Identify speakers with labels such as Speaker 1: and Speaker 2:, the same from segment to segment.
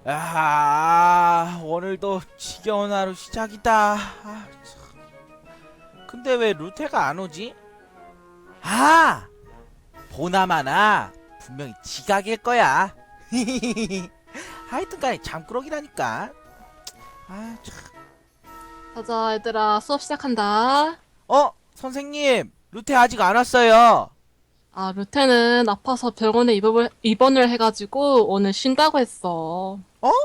Speaker 1: 오늘도 지겨운 하루 시작이다. 근데 왜 루테가 안 오지? 보나마나 분명히 지각일 거야. 하여튼간에 잠꾸러기라니까. 참.
Speaker 2: 가자, 얘들아. 수업 시작한다.
Speaker 1: 선생님, 루테 아직 안 왔어요.
Speaker 2: 루테는 아파서 병원에 입원을 해가지고 오늘 쉰다고 했어.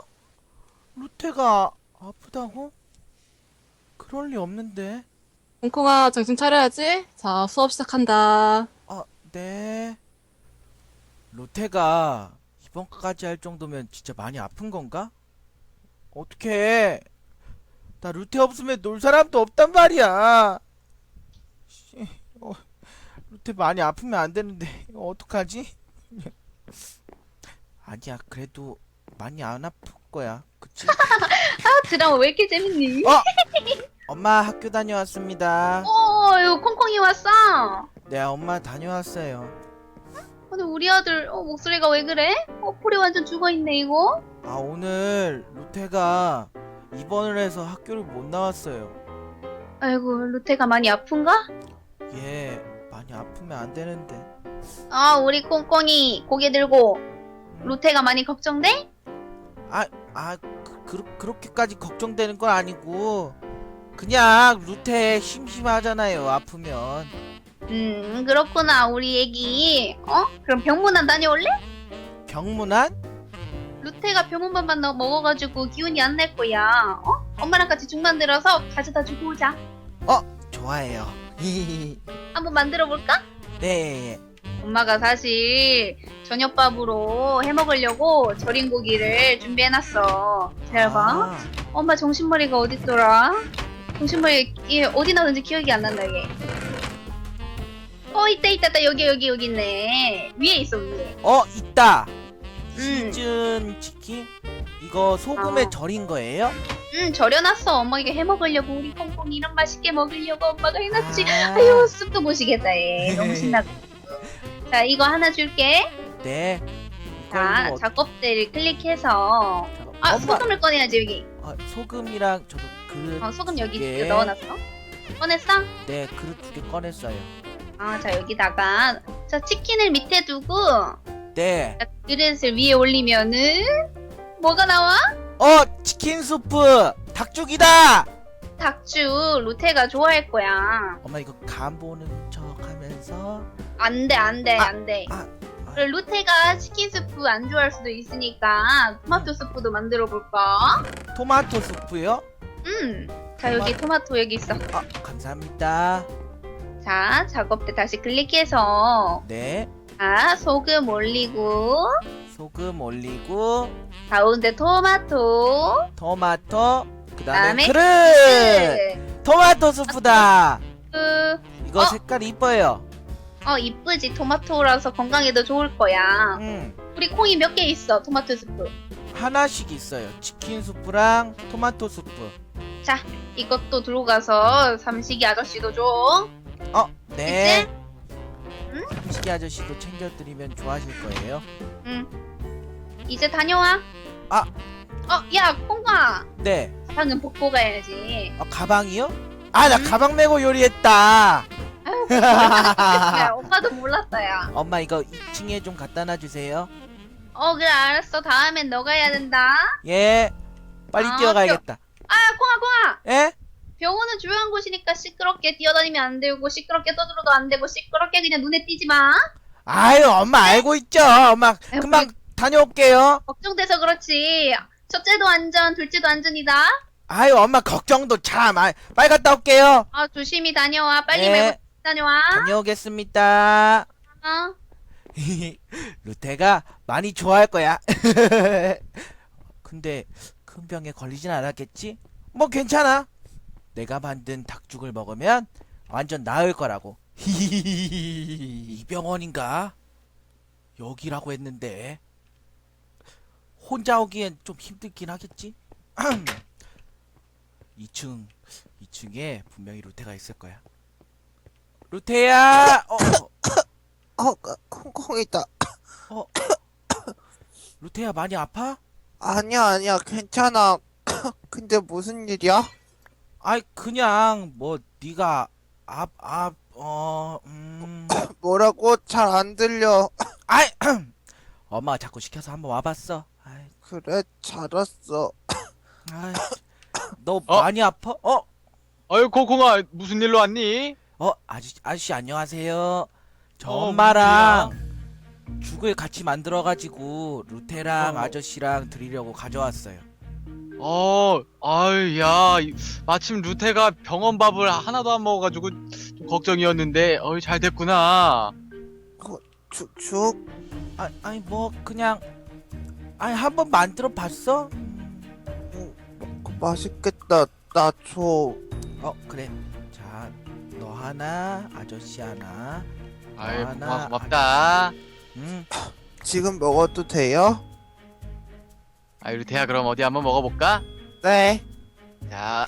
Speaker 1: 루테가 아프다고? 그럴 리 없는데.
Speaker 2: 콩콩아, 정신 차려야지. 자, 수업 시작한다.
Speaker 1: 네. 루테가 이번까지 할 정도면 진짜 많이 아픈 건가? 어떡해. 나 루테 없으면 놀 사람도 없단 말이야. 씨, 루테 많이 아프면 안 되는데 어떡하지? 아니야, 그래도 많이 안 아플 거야. 그치?
Speaker 3: 드라마 왜 이렇게 재밌니?
Speaker 1: 엄마 학교 다녀왔습니다.
Speaker 3: 이거 콩콩이 왔어.
Speaker 1: 네, 엄마 다녀왔어요.
Speaker 3: 근데 우리 아들 목소리가 왜 그래? 폴이 완전 죽어있네 이거.
Speaker 1: 오늘 루테가 입원을 해서 학교를 못 나왔어요.
Speaker 3: 아이고 루테가 많이 아픈가?
Speaker 1: 예, 많이 아프면 안 되는데.
Speaker 3: 우리 콩콩이 고개 들고 루테가 많이 걱정돼?
Speaker 1: 그렇게까지 걱정되는 건 아니고 그냥 루테 심심하잖아요, 아프면.
Speaker 3: 그렇구나 우리 애기. 그럼 병문안 다녀올래?
Speaker 1: 병문안?
Speaker 3: 루테가 병원밥만 먹어가지고 기운이 안 날 거야. 엄마랑 같이 죽 만들어서 가져다 주고 오자.
Speaker 1: 좋아해요.
Speaker 3: 한번 만들어 볼까?
Speaker 1: 네.
Speaker 3: 엄마가 사실 저녁밥으로 해먹으려고 절인 고기를 준비해놨어. 기다려봐. 엄마 정신머리가 어딨더라? 정신머리 얘 어디 나오는지 기억이 안 난다 얘. 있다 여기 있네. 위에 있어 위에.
Speaker 1: 있다.
Speaker 3: 음.
Speaker 1: 시즌 치킨? 이거 소금에 절인 거예요?
Speaker 3: 절여놨어. 엄마 이거 해먹으려고 우리 콩콩이 이런 맛있게 먹으려고 엄마가 해놨지.
Speaker 1: 아.
Speaker 3: 아유 쑥도 못 쉬겠다 얘. 너무 신나고. 자 이거 하나 줄게.
Speaker 1: 네.
Speaker 3: 자
Speaker 1: 이걸로
Speaker 3: 작업대를 클릭해서
Speaker 1: 엄마.
Speaker 3: 소금을 꺼내야지 여기.
Speaker 1: 소금이랑 저도 그릇
Speaker 3: 소금 여기
Speaker 1: 두 개.
Speaker 3: 이거 넣어놨어. 꺼냈어?
Speaker 1: 네, 그릇 2개 꺼냈어요.
Speaker 3: 자 여기다가 자 치킨을 밑에 두고
Speaker 1: 네.
Speaker 3: 자, 그릇을 위에 올리면은 뭐가 나와?
Speaker 1: 치킨 수프 닭죽이다.
Speaker 3: 닭죽 루테가 좋아할 거야.
Speaker 1: 엄마 이거 간 보는 척 하면서
Speaker 3: 안돼. 그리고 루테가 치킨 스프 안 좋아할 수도 있으니까 토마토 스프도 만들어 볼까?
Speaker 1: 토마토 수프요?
Speaker 3: 자 여기 토마토 여기 있어.
Speaker 1: 감사합니다.
Speaker 3: 자 작업대 다시 클릭해서
Speaker 1: 네.
Speaker 3: 자 소금 올리고
Speaker 1: 소금 올리고
Speaker 3: 가운데 토마토
Speaker 1: 토마토 그다음에
Speaker 3: 그다음에
Speaker 1: 그릇 토마토 수프다. 이거
Speaker 3: 어?
Speaker 1: 색깔 이뻐요.
Speaker 3: 이쁘지. 토마토라서 건강에도 좋을 거야. 우리 콩이 몇 개 있어 토마토 스프.
Speaker 1: 하나씩 있어요. 치킨 수프랑 토마토 수프.
Speaker 3: 자 이것도 들고 가서 삼식이 아저씨도 줘.
Speaker 1: 네.
Speaker 3: 이제? 응?
Speaker 1: 삼식이 아저씨도 챙겨드리면 좋아하실 거예요.
Speaker 3: 이제 다녀와. 야 콩아
Speaker 1: 네.
Speaker 3: 방금 복고 가야지.
Speaker 1: 가방이요? 나 가방 메고 요리했다.
Speaker 3: 야 오빠도 몰랐다 야.
Speaker 1: 엄마 이거 2층에 좀 갖다 놔주세요.
Speaker 3: 그래 알았어. 다음엔 너가 해야 된다.
Speaker 1: 예. 빨리 뛰어가야겠다.
Speaker 3: 콩아
Speaker 1: 예?
Speaker 3: 병원은 조용한 곳이니까 시끄럽게 뛰어다니면 안 되고 시끄럽게 떠들어도 안 되고 시끄럽게 그냥 눈에 띄지 마.
Speaker 1: 아유, 엄마 알고 있죠. 엄마 금방 다녀올게요.
Speaker 3: 걱정돼서 그렇지. 첫째도 안전 둘째도 안전이다.
Speaker 1: 아유, 엄마 걱정도 참. 빨리 갔다 올게요.
Speaker 3: 조심히 다녀와. 빨리
Speaker 1: 네.
Speaker 3: 메고 다녀와.
Speaker 1: 다녀오겠습니다. 루테가 많이 좋아할 거야. 근데 큰 병에 걸리진 않았겠지? 뭐 괜찮아. 내가 만든 닭죽을 먹으면 완전 나을 거라고. 이 병원인가? 여기라고 했는데 혼자 오기엔 좀 힘들긴 하겠지? 2층에 분명히 루테가 있을 거야. 루테야!
Speaker 4: 콩콩 있다.
Speaker 1: 루테야 많이 아파?
Speaker 4: 아니야, 괜찮아. 근데 무슨 일이야?
Speaker 1: 아이 그냥 뭐 네가
Speaker 4: 뭐라고? 잘 안 들려.
Speaker 1: 아이 엄마가 자꾸 시켜서 한번 와봤어. 아이,
Speaker 4: 그래, 잘 왔어.
Speaker 1: 아이, 너
Speaker 5: 어?
Speaker 1: 많이 아파?
Speaker 5: 어이 콩콩아 무슨 일로 왔니?
Speaker 1: 아저씨 안녕하세요. 저
Speaker 5: 어,
Speaker 1: 엄마랑 죽을 같이 만들어가지고 루테랑
Speaker 5: 어.
Speaker 1: 아저씨랑 드리려고 가져왔어요.
Speaker 5: 아유 마침 루테가 병원 밥을 하나도 안 먹어가지고 좀 걱정이었는데 어이 잘 됐구나.
Speaker 4: 죽?
Speaker 1: 아니 뭐 그냥 아니 한번 만들어 봤어?
Speaker 4: 맛있겠다. 나 줘.
Speaker 1: 그래. 자, 너 하나, 아저씨 하나.
Speaker 5: 아이
Speaker 1: 하나,
Speaker 5: 고맙다.
Speaker 4: 지금 먹어도 돼요?
Speaker 5: 아이 루테야 그럼 어디 한번 먹어볼까?
Speaker 4: 네.
Speaker 5: 자,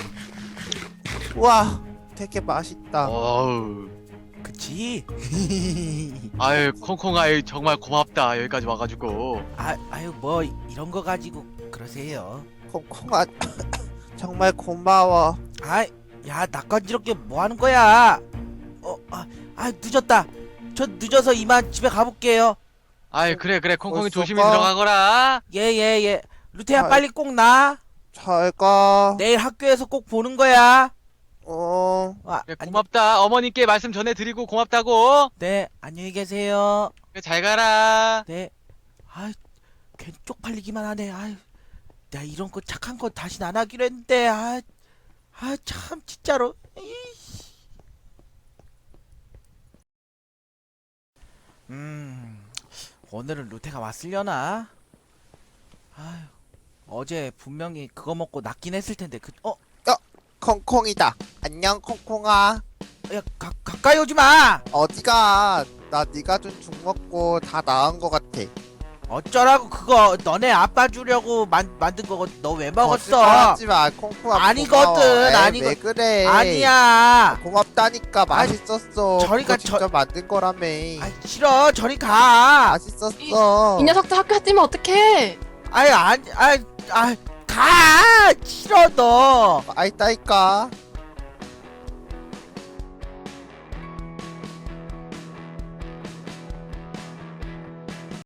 Speaker 4: 우와, 되게 맛있다.
Speaker 5: 어우,
Speaker 1: 그치?
Speaker 5: 아유 콩콩아 정말 고맙다 여기까지 와가지고.
Speaker 1: 아유 뭐 이런 거 가지고 그러세요.
Speaker 4: 콩콩아, 정말 고마워.
Speaker 1: 야 낯간지럽게 뭐 하는 거야? 늦었다. 저 늦어서 이만 집에 가볼게요.
Speaker 5: 아이 그래 콩콩이
Speaker 4: 벌써
Speaker 5: 조심히
Speaker 4: 가?
Speaker 1: 예,
Speaker 5: 들어가거라.
Speaker 1: 예, 예. 루테야
Speaker 4: 아,
Speaker 1: 빨리 꼭 나.
Speaker 4: 잘 가.
Speaker 1: 내일 학교에서 꼭 보는 거야.
Speaker 5: 그래, 고맙다. 어머님께 말씀 전해드리고 고맙다고.
Speaker 1: 네, 안녕히 계세요.
Speaker 5: 그래, 잘 가라.
Speaker 1: 네. 괜히 쪽팔리기만 하네. 내가 이런 거 착한 거 다신 안 하기로 했는데. 참 진짜로. 오늘은 루테가 왔으려나? 어제 분명히 그거 먹고 낫긴 했을 텐데.
Speaker 4: 콩콩이다. 안녕, 콩콩아.
Speaker 1: 야, 가까이 오지 마.
Speaker 4: 어디가? 나 네가 준 죽 먹고 다 나은 것 같아.
Speaker 1: 어쩌라고 그거 너네 아빠 주려고 만든 거고 너 왜 먹었어?
Speaker 4: 하지 마, 콩콩아.
Speaker 1: 아니거든,
Speaker 4: 고마워. 에이,
Speaker 1: 아니거-
Speaker 4: 왜 그래?
Speaker 1: 아니야.
Speaker 4: 고맙다니까. 맛있었어.
Speaker 1: 저리가
Speaker 4: 그거 직접 만든 거라며.
Speaker 1: 싫어. 저리 가.
Speaker 4: 맛있었어.
Speaker 2: 이 녀석들 학교 뛰면 어떡해?
Speaker 1: 가. 싫어 너.
Speaker 4: 아이따니까.